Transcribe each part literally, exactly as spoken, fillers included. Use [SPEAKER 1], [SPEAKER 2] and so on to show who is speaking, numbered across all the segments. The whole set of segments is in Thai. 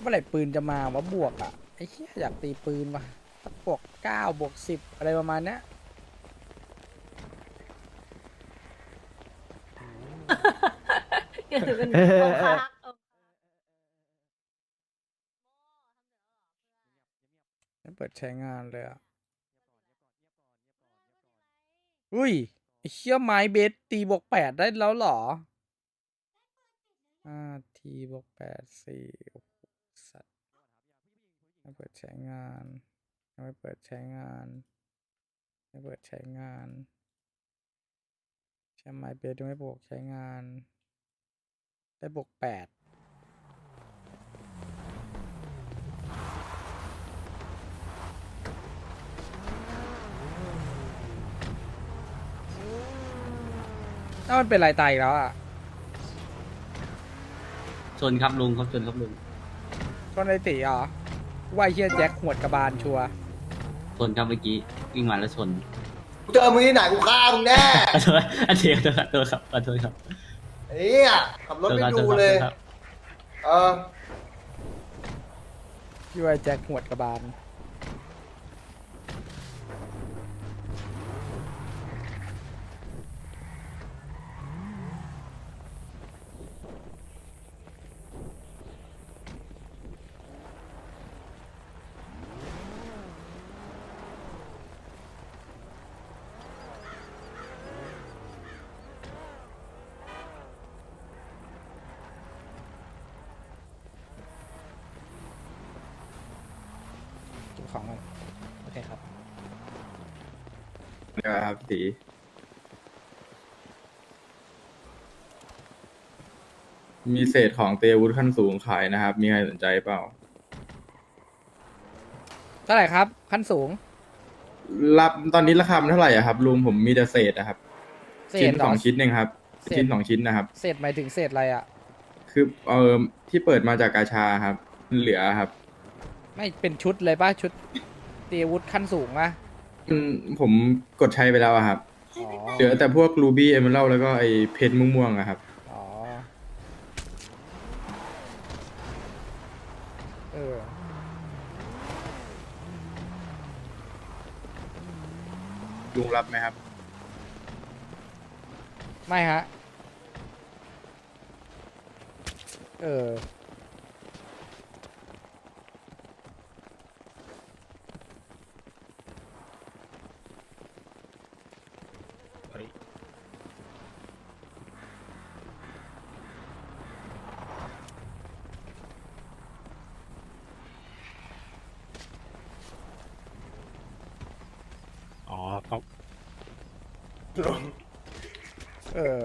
[SPEAKER 1] เมื่อไหร่ปืนจะมาวะบวกอ่ะไอ้เหี้ยอยากตีปืนว่ะสักบวกเก้าบวกสิบอะไรประมาณเนี้ย
[SPEAKER 2] เกิดเป็นองคัก
[SPEAKER 1] ไม่เปิดใช้งานเลยอ่ะอุ้ยไอ้เชี่ยไม้เบสตีบวกแปดได้แล้วเหรอห้าทีบวกแปดสี่โอ้โหสัตว์ไม่เปิดใช้งานยังไม่เปิดใช้งานไม่เปิดใช้งานใช้ไม้เบสยังไม่บวกใช้งานได้บวกแปดถ้ามันเป็นลายตายอีกแล้วอ่ะ
[SPEAKER 3] ชนครับลุงครับชนครับลุง
[SPEAKER 1] ก็ในตีเหรอว่าไอ้เฮียแจ็คหวดกระบาลชัวร์
[SPEAKER 3] ชนครับเมื่อกี้วิ่งมาแล้วชน
[SPEAKER 4] กูเจอมึงที่ไหนกูฆ่ามึงแน่
[SPEAKER 3] ขอโทษอันเดียวขอโทษครับขอโทษครับ
[SPEAKER 4] ไอ้เนี่ยขับรถไม่ดูเลย
[SPEAKER 3] ครับ
[SPEAKER 4] เออ
[SPEAKER 1] ที่ว่าไอ้แจ็คหวดกระบาล เก็บของกันโอเคครับ
[SPEAKER 5] ครับสีมีเศษของเตรียมอาวุธขั้นสูงขายนะครับ มีใครสนใจเปล่า
[SPEAKER 1] เท่าไหร่ครับ ขั้นสูง
[SPEAKER 5] รับตอนนี้ราคามันเท่าไหร่อะครับลุงผมมีแต่เศษนะครับ
[SPEAKER 1] เศ
[SPEAKER 5] ชิ้
[SPEAKER 1] ษ
[SPEAKER 5] น
[SPEAKER 1] เหร
[SPEAKER 5] ส
[SPEAKER 1] อ
[SPEAKER 5] องชิ้นเองครับ
[SPEAKER 1] เศษ
[SPEAKER 5] ชิ้นสองชิ้นนะครับ
[SPEAKER 1] เศษหมายถึงเศษอะไรอ่ะ
[SPEAKER 5] คือเออที่เปิดมาจากกาชาครับมันเหลือครับ
[SPEAKER 1] ไม่เป็นชุดเลยป่ะ ชุดตีอาวุธขั้นสูงป่ะ
[SPEAKER 5] มันผมกดใช้ไปแล้วอะครับ
[SPEAKER 1] อ๋อ
[SPEAKER 5] เหลือแต่พวกรูบี้เอเมอรัลแล้วก็ไอเพชรม่วงๆอะครับ
[SPEAKER 1] อ๋อ เออ
[SPEAKER 5] ลุงรับไหมครับ
[SPEAKER 1] ไม่ฮะ เออ
[SPEAKER 6] อ๋อครับ
[SPEAKER 1] เออ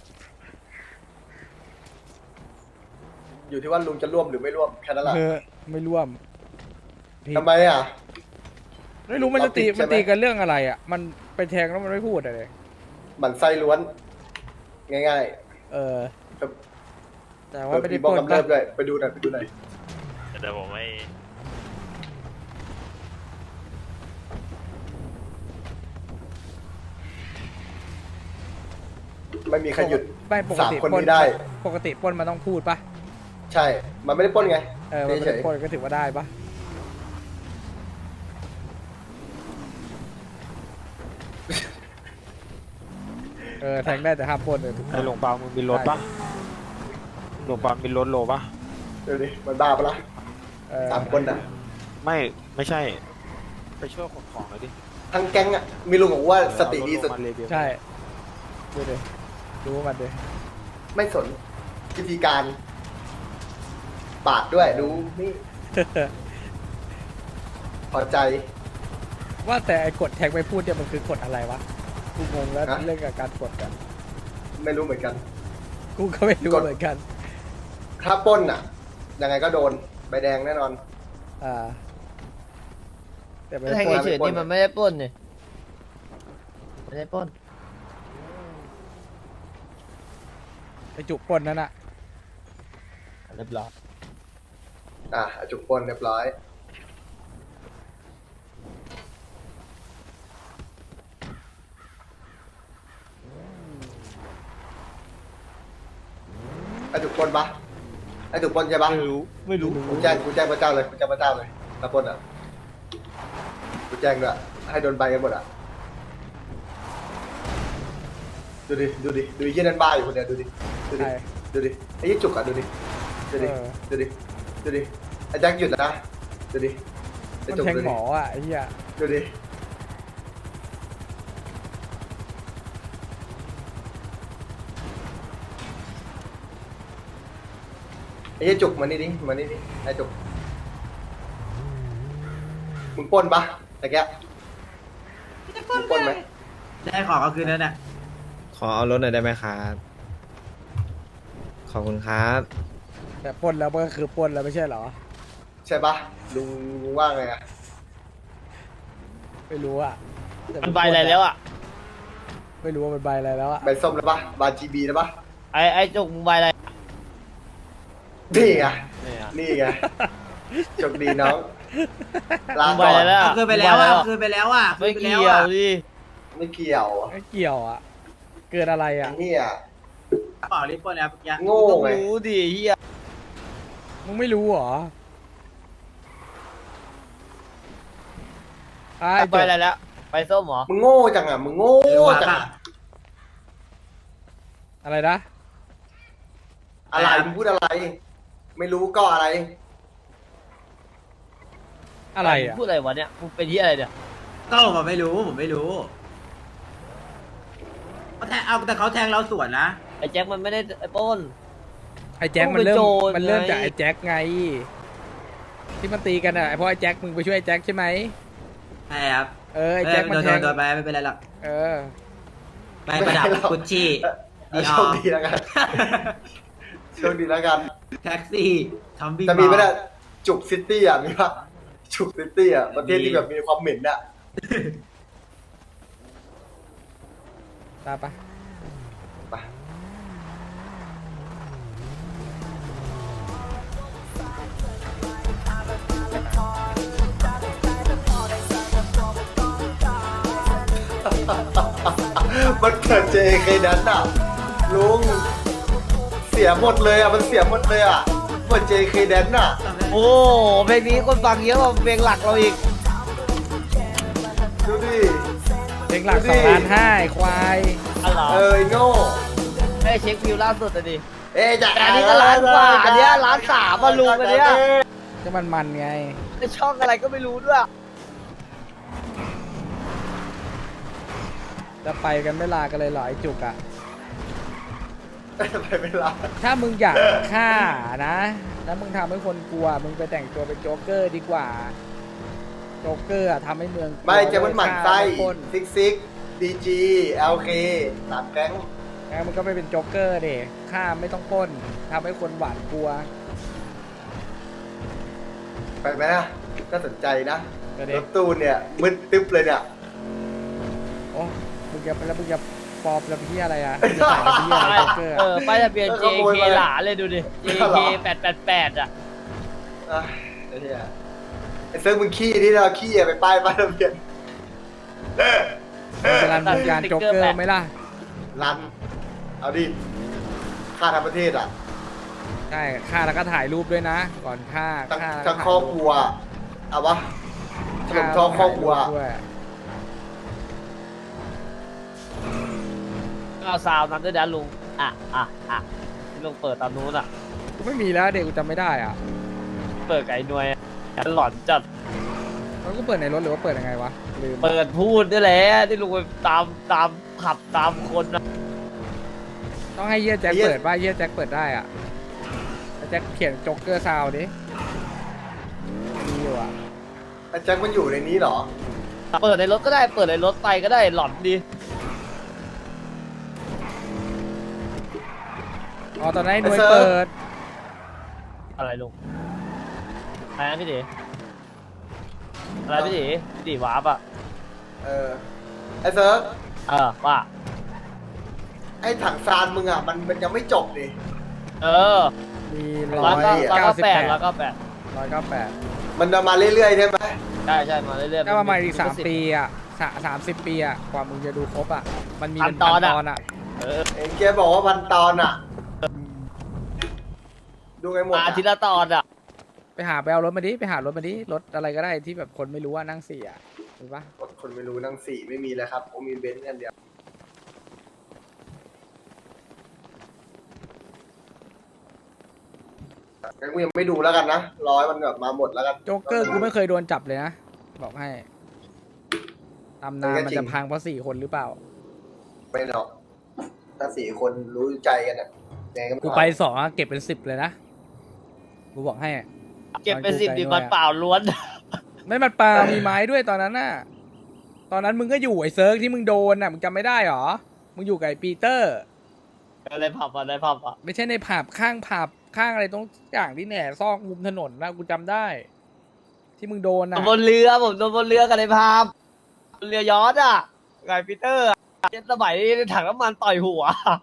[SPEAKER 4] อยู่ที่ว่าลุงจะร่วมหรือไม่ร่วมแค่นั้นแหละ
[SPEAKER 1] เออ ไม่ร่วมผิด
[SPEAKER 4] ทำไมอ่ะ
[SPEAKER 1] ไม่รู้มันจะตี
[SPEAKER 4] เราผิดใช่
[SPEAKER 1] มัน
[SPEAKER 4] ไหม
[SPEAKER 1] ตีกันเรื่องอะไรอ่ะ มันไปแทงแล้วมันไม่พูดอะไรเลย
[SPEAKER 4] หมันไส้ล้วน ง่าย
[SPEAKER 1] เออ
[SPEAKER 4] ๆครับ
[SPEAKER 1] แต่ว่าไม่ได้
[SPEAKER 4] บ
[SPEAKER 1] ป
[SPEAKER 4] อก
[SPEAKER 1] ล้น
[SPEAKER 4] กำเริ
[SPEAKER 1] ปะ
[SPEAKER 4] บด้วยไปดูหน่อยไปดูหน่อย
[SPEAKER 6] เดี๋ยวผมไม่
[SPEAKER 4] ไม่มีใครหยุด
[SPEAKER 1] ไม่ปก
[SPEAKER 4] สาม
[SPEAKER 1] ติ
[SPEAKER 4] คน
[SPEAKER 1] ปล้น
[SPEAKER 4] นี้ได้
[SPEAKER 1] ปกติปล้นมันต้องพูดปะ
[SPEAKER 4] ใช่ มันไม่ได้ปล้นไง
[SPEAKER 1] เออ มันไม่
[SPEAKER 4] เฉ
[SPEAKER 1] ได้
[SPEAKER 4] ย
[SPEAKER 1] ปล้นก็ถือว่าได้ปะเออ แทงได้แต่ห้ามปล้นเลยถูก
[SPEAKER 6] ไอหลวงปามึงมีรถปะหลวงปามีรถโลปะ
[SPEAKER 4] ๆดูดิมันบ้าปะล่ะ
[SPEAKER 1] เออ
[SPEAKER 4] สามคนอ่ะ
[SPEAKER 6] ไม่ไม่ใช่ ไปช่วยขนของหน่อยดิ
[SPEAKER 4] ทั้งแก๊งอ่ะ มีลุงบอกว่าสติดีสุด
[SPEAKER 6] เอารถลงมาเลเบล
[SPEAKER 1] ใช่ดูดิดูมันดิ
[SPEAKER 4] ไม่สนวิธีการ ปาดด้วยดูนี่พอใจ
[SPEAKER 1] ว่าแต่ไอ้กดแทงไม่พูดเนี่ยมันคือกดอะไรวะ กูงงแล้ว
[SPEAKER 4] ฮะ
[SPEAKER 1] เรื่องกับการกดกัน
[SPEAKER 4] ไม่รู้เหมือนกัน
[SPEAKER 1] กูก็ไม่รู้
[SPEAKER 4] กด
[SPEAKER 1] เหมือนกัน
[SPEAKER 4] ถ้าปล้นอ่ะ ยังไงก็โดนใบแดงแน่นอน
[SPEAKER 1] อ่า แต่ไม่
[SPEAKER 2] แท
[SPEAKER 1] ได้
[SPEAKER 2] ง
[SPEAKER 1] ปล้น
[SPEAKER 2] เฉยๆนี่มันไม่ได้ปล้นนี่ไม่ได้ปล้น
[SPEAKER 1] ไอ้จุกปล้นนั่นอะ
[SPEAKER 2] เรียบร้อย
[SPEAKER 4] อ่ะจุกปล้นเรียบร้อย อะจุกปล้นปะไอ้ถูกปล้นใช่ปะ
[SPEAKER 2] ไม่รู้ไม่รู้
[SPEAKER 4] กูแจ้งกูแจ้งพระเจ้าเลยกูแจ้งพระเจ้าเลยตะปล้นอ่ะกูแจ้งด้วยให้โดนใบกันหมดอ่ะดูดิดูดิดูไอ้ยี่นั่นบ้าอยู่คนเดียวดูดิดูดิ
[SPEAKER 1] ใช่
[SPEAKER 4] ดูดิไอ้ยี่จุกอ่ะดูดิดูดิ
[SPEAKER 1] เออ
[SPEAKER 4] ดูดิดูดิไอ้แจ็คหยุดนะดูดิไอ้
[SPEAKER 1] มัน
[SPEAKER 4] จุก
[SPEAKER 1] แทง
[SPEAKER 4] ดู
[SPEAKER 1] หม
[SPEAKER 4] ดิ
[SPEAKER 1] ออ่ะไอ้เหี้ย
[SPEAKER 4] ดูดิไอ้ยี่จุกมานี่ดิมานี่ดิไอ้จุกมึงปล้นปะตะแกมึงปล้นไหม
[SPEAKER 3] ได้ของเอาคืนแล้วเนี่ย
[SPEAKER 7] ขอเอารถหน่อยได้ไหมครับ ขอบคุณครับ
[SPEAKER 1] แต่ปล้นแล้วมันก็คือปล้นแล้วไม่ใช่เหรอ
[SPEAKER 4] ใช่ปะลุงลุงว่าไงอะ
[SPEAKER 1] ไม่รู้อ่ะแต่
[SPEAKER 2] มันใบอะไรแล้วอ่ะ
[SPEAKER 1] ไม่รู้ว่ามันใบอะไรแล้วอ่ะ
[SPEAKER 4] ใบส้มแล้วปะบาจีบีแล้วปะ
[SPEAKER 2] ไอ้ไอ้จุกมึงใบอะไร
[SPEAKER 4] นี่ไง
[SPEAKER 2] เนี่ย
[SPEAKER 4] นี่ไงโชคดีน้องลา
[SPEAKER 2] มึงใบ
[SPEAKER 4] ก่อ
[SPEAKER 2] อะไร
[SPEAKER 4] น
[SPEAKER 2] แล้ว
[SPEAKER 3] เอาคืนไปแล้วอ่ะเอาคืนไปแล้วอ่ะ
[SPEAKER 2] ไม่เกี่ยวดิ
[SPEAKER 4] ไม่เกี่ยว
[SPEAKER 1] ไม่เกี่ยวอ่ะ เกิดอะไรอ่ะ
[SPEAKER 4] นี่อ่ะ
[SPEAKER 3] เปล่าลิปปล้นแล้วยัง
[SPEAKER 4] โง่
[SPEAKER 2] ต้อง
[SPEAKER 4] ไง
[SPEAKER 2] รู้ดิเฮีย
[SPEAKER 1] มึงไม่รู้เหรอไอ้
[SPEAKER 2] ใบอะไรแล้วใบส้มเหรอ
[SPEAKER 4] มึงโง่จังอ่ะมึงโง่จังอะ
[SPEAKER 1] อะไรนะ
[SPEAKER 4] อะไรมึงพูดอะไร ไม่รู้ก็อะไร
[SPEAKER 1] อะไรอ่ะ
[SPEAKER 2] พูดอะไรวะเนี่ยมึงเป็นที่อะไรเนี่ย
[SPEAKER 3] ก็ผมไม่รู้ผมไม่รู้เขาแทงเอาแต่เขาแทงเราสวนนะ
[SPEAKER 2] ไอ้แจ็คมันไม่ได้ไอ้ปล้น
[SPEAKER 1] ไอ้แจ็คมันเริ่ม
[SPEAKER 2] ต้องเป็นโจร
[SPEAKER 1] มันเริ่ม
[SPEAKER 2] ไง
[SPEAKER 1] จากไอ้แจ็คไง ที่มันตีกันอ่ะเพราะไอ้แจ็คมึงไปช่วยไอ้แจ็คใช่ไหม
[SPEAKER 3] ใช่ครับ
[SPEAKER 1] เออไอ้แจ็คมัน
[SPEAKER 3] โดน
[SPEAKER 1] แท
[SPEAKER 3] โด
[SPEAKER 1] ง
[SPEAKER 3] นโดนไปไม่เป็นไรหรอก
[SPEAKER 1] เออ
[SPEAKER 3] ไปประดับกุชชี่
[SPEAKER 4] เออโชคดีแล้วกันโชคดีแล้วกัน
[SPEAKER 3] แท็กซี่ทำบิ๊ก
[SPEAKER 4] จะมีไหมเนี่ยจุกซิตี้อ่ะมีปะจุกซิตี้อ่ะประเทศที่แบบมีความเหม็นอ่ะ
[SPEAKER 1] ตามปะ
[SPEAKER 4] ไปมันเกิดเจเคนั้นอ่ะลุงเสียหมดเลยอ่ะมันเสียหมดเลยอ่ะเหมือนเจเคแดนอ่ะ
[SPEAKER 2] โอ้เพลงนี้คนฟังเยอะกว่าเพลงหลักเราอีก
[SPEAKER 4] ดูดิ
[SPEAKER 1] เพลงหลัก
[SPEAKER 4] ดู
[SPEAKER 1] ส
[SPEAKER 4] ดิ
[SPEAKER 1] องล้านห้าไอ้ควาย
[SPEAKER 2] อ๋อเหรอ
[SPEAKER 4] เออไอ้โง่
[SPEAKER 2] ให้เช็ควิวล่าสุดอ่ะดิ
[SPEAKER 4] เอ๊ะจะ
[SPEAKER 2] แต่อันนี้ก็ล้านกว่าอันเนี้ยล้านสามอ่ะลุงอันเนี้ย
[SPEAKER 1] ก็มันมันไง
[SPEAKER 2] ในช่องอะไรก็ไม่รู้ด้วย
[SPEAKER 1] จะไปกันไม่ลากันเลยเหรอไอ้จุกอะ
[SPEAKER 4] ไปเวลา
[SPEAKER 1] ถ้ามึงอยากฆ่านะแล้วมึงทำให้คนกลัว มึงไปแต่งตัวเป็นโจ๊กเกอร์ดีกว่า โจ๊กเกอร์อะทำให้เมืองกลัว
[SPEAKER 4] ไม่จะมันหมั่นไส้
[SPEAKER 1] ฆ่าคน
[SPEAKER 4] ซิกซิกดีจีเอลเคสามแก๊ง
[SPEAKER 1] งั้นมึงก็ไปเป็นโจ๊กเกอร์ดิฆ่าไม่ต้องปล้นทำให้คนหวาดกลัว
[SPEAKER 4] ไปไหมนะก็สนใจนะ
[SPEAKER 1] ก็
[SPEAKER 4] ร
[SPEAKER 1] เด็ก
[SPEAKER 4] ถตู้เนี่ยมึนตึ๊บเลยเนี่ย
[SPEAKER 1] โอ้มึงจะแล้วมึงจะปลอมแล้วพี่อะไรอะมึงจะใส่แล้วพี่อะไรโจ๊กเกอร์
[SPEAKER 2] เอ
[SPEAKER 1] อะ
[SPEAKER 2] อป้ายทะเบียน
[SPEAKER 4] เออ
[SPEAKER 2] เจ
[SPEAKER 4] ขโมย
[SPEAKER 2] เค
[SPEAKER 4] มา
[SPEAKER 2] หลาเลยดูดิ เจ
[SPEAKER 4] เหร
[SPEAKER 2] เค
[SPEAKER 4] อ
[SPEAKER 2] แปดแปดแปดอ่ะ
[SPEAKER 4] อ่ะไอ้เหี้ยไอ้เซิร์ฟมึงขี้ที่เราขี้อะไปป้ายป้ายทะเบียน
[SPEAKER 1] มึงจะรันวงการโจ๊กเกอร์ไหมล่ะ
[SPEAKER 4] รัน เอาดิค่าทั้งประเทศอ่ะ
[SPEAKER 1] ใช่ฆ่าแล้วก็ถ่ายรูปด้วยนะ ก่อนฆ่า
[SPEAKER 4] ทั้ง
[SPEAKER 1] ฆ่าแล้ว
[SPEAKER 4] ทั้ง
[SPEAKER 1] ถ่าย
[SPEAKER 4] ครอบครัวเอาวะถล่มท้องครอบครัว
[SPEAKER 1] ด้วย
[SPEAKER 2] ก็เอาซาวน์นั้นด้วยนะลุง อ่ะอ่ะอ่ะที่ลุงเปิดตามนู้นอ่ะ
[SPEAKER 1] กูไม่มีแล้วเด็กกูจำไม่ได้อ่ะ
[SPEAKER 2] เปิดไก่หน่วยอะหลอนจัด
[SPEAKER 1] แล้วกูเปิดในรถหรือว่าเปิดยังไงวะลืม
[SPEAKER 2] เปิดพูดด้วยแหละที่ลุงไปตามตามขับตามคนนะ
[SPEAKER 1] ต้องให้เยี่ยแจ็ค
[SPEAKER 4] เหี้ย
[SPEAKER 1] เปิดป่ะเยี่ยแจ็คเปิดได้อ่ะแต่แจ็คเขียนโจ๊กเกอร์ซาวดิมีอยู่อ่ะ
[SPEAKER 4] ไอ้แจ็คมันอยู่ในนี้เหรอ
[SPEAKER 2] เปิดในรถก็ได้ เปิดในรถไปก็ได้หลอนดี
[SPEAKER 1] อ๋อตอนนั้นไอ้หน่วย
[SPEAKER 4] ไอ้เซิร์ฟ
[SPEAKER 1] เปิด
[SPEAKER 2] อะไรลุงอะไรนะพี่ดีอะไรพี่ดีพี่ดีวาร์ปอ่ะ
[SPEAKER 4] เออ ไอ้เซิร์ฟ
[SPEAKER 2] เออว่า
[SPEAKER 4] ไอ้ถังซานมึงอ่ะมันมันยังไม่จบดิ
[SPEAKER 2] เออ
[SPEAKER 1] มีร้
[SPEAKER 2] ร้
[SPEAKER 1] อ
[SPEAKER 2] อย
[SPEAKER 1] ย
[SPEAKER 2] เก้า
[SPEAKER 1] เก้าสิบ
[SPEAKER 2] แป
[SPEAKER 1] แป
[SPEAKER 2] ด
[SPEAKER 1] ด
[SPEAKER 2] ร้อยเก้าแปด
[SPEAKER 1] ร้อยเก้าแปด
[SPEAKER 4] มันจะมาเรื่อยๆใช่ไหม
[SPEAKER 2] ใช่ใช่มาเรื่อยๆ
[SPEAKER 1] ก็ประมาณอีกสามปีอ่ะสาสามสิบปีอ่ะกว่ามึงจะดูครบอ่ะมันมีเป็น
[SPEAKER 2] พั
[SPEAKER 1] พั
[SPEAKER 2] น
[SPEAKER 1] น
[SPEAKER 2] ตอนอะ
[SPEAKER 1] ตอนอ่ะ
[SPEAKER 2] เออ
[SPEAKER 4] เอ็งแกบอกว่าพันตอนอ่ะดูไงหมด
[SPEAKER 2] อา
[SPEAKER 4] อะ
[SPEAKER 2] ทิตย์ละตอนอ่ะ
[SPEAKER 1] ไปหาไปเอารถมาดิไปหารถมาดิรถอะไรก็ได้ที่แบบคนไม่รู้ว่านั่งสี่อ่ะถูกปะ
[SPEAKER 4] คนไม่รู้นั่งสี่ไม่มีแล้วครับผมมีเบนซ์กันเดียวงั้นกูยังไม่ดูแล้วกันนะร้อยมันแบบมาหมดแล้วกัน
[SPEAKER 1] โจ๊กเกอร์กูไม่เคยโดนจับเลยนะบอกให้ตำนานมันจะพังเพราะสี่คนหรือเปล่า
[SPEAKER 4] ไม่หรอกถ้าสี่คนรู้ใจกันอ่ะยังไงก็ม่
[SPEAKER 1] กูไปสองอะเก็บเป็นสิบเลยนะกูบอกให้อะ
[SPEAKER 2] เก็บเป็นสิบ
[SPEAKER 1] ตอนกู
[SPEAKER 2] ดี
[SPEAKER 1] ไกล
[SPEAKER 2] มันเปล่าล้วน
[SPEAKER 1] ไม่มันปลามีไม้ด้วยตอนนั้นน่ะตอนนั้นมึงก็อยู่ไอ้เซิร์กที่มึงโดนน่ะมึงจำไม่ได้หรอมึงอยู่กับไอ้ปีเตอร์
[SPEAKER 2] อะไรผับอ่ะได้ผับอ่ะ
[SPEAKER 1] ไม่ใช่ในผับข้างผับข้างอะไรตรงอย่างที่แหน่ซอกมุมถนนนะกูจำได้ ที่มึงโดนน่ะ
[SPEAKER 2] บนเรือผมโดนบนเรือกันในผับเรือยอชต์อ่ะไงปีเตอร์อะสมัยถังน้ำมันต่อยหัว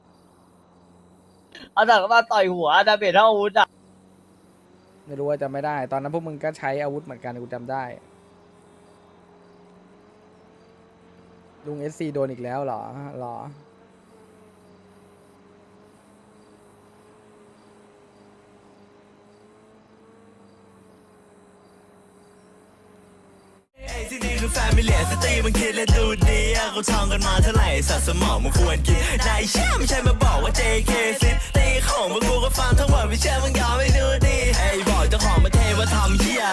[SPEAKER 2] เอาถังน้ำมันต่อยหัวดาเมจเท่าอาวุธอ่ะ
[SPEAKER 1] ไม่รู้ว่าจำไม่ได้ ตอนนั้นพวกมึงก็ใช้อาวุธเหมือนกันกูจำได้ลุงเอสซีโดนอีกแล้วเหรอเหรอ
[SPEAKER 8] ที่นี่คือแฟมิเลียสตรีมันคิดและดูดีอะเขาท่องกันมาเท่าไหร่สัตว์สมองมันควรกินนายเชื่อไม่ใช่มาบอกว่า เจ เค ซิตี้ของพวกกูก็ฟังทั้งหมดไม่เชื่อมึงยอมไม่ดูดีไอ้บอกเจ้าของประเทศว่าทำเหี้ย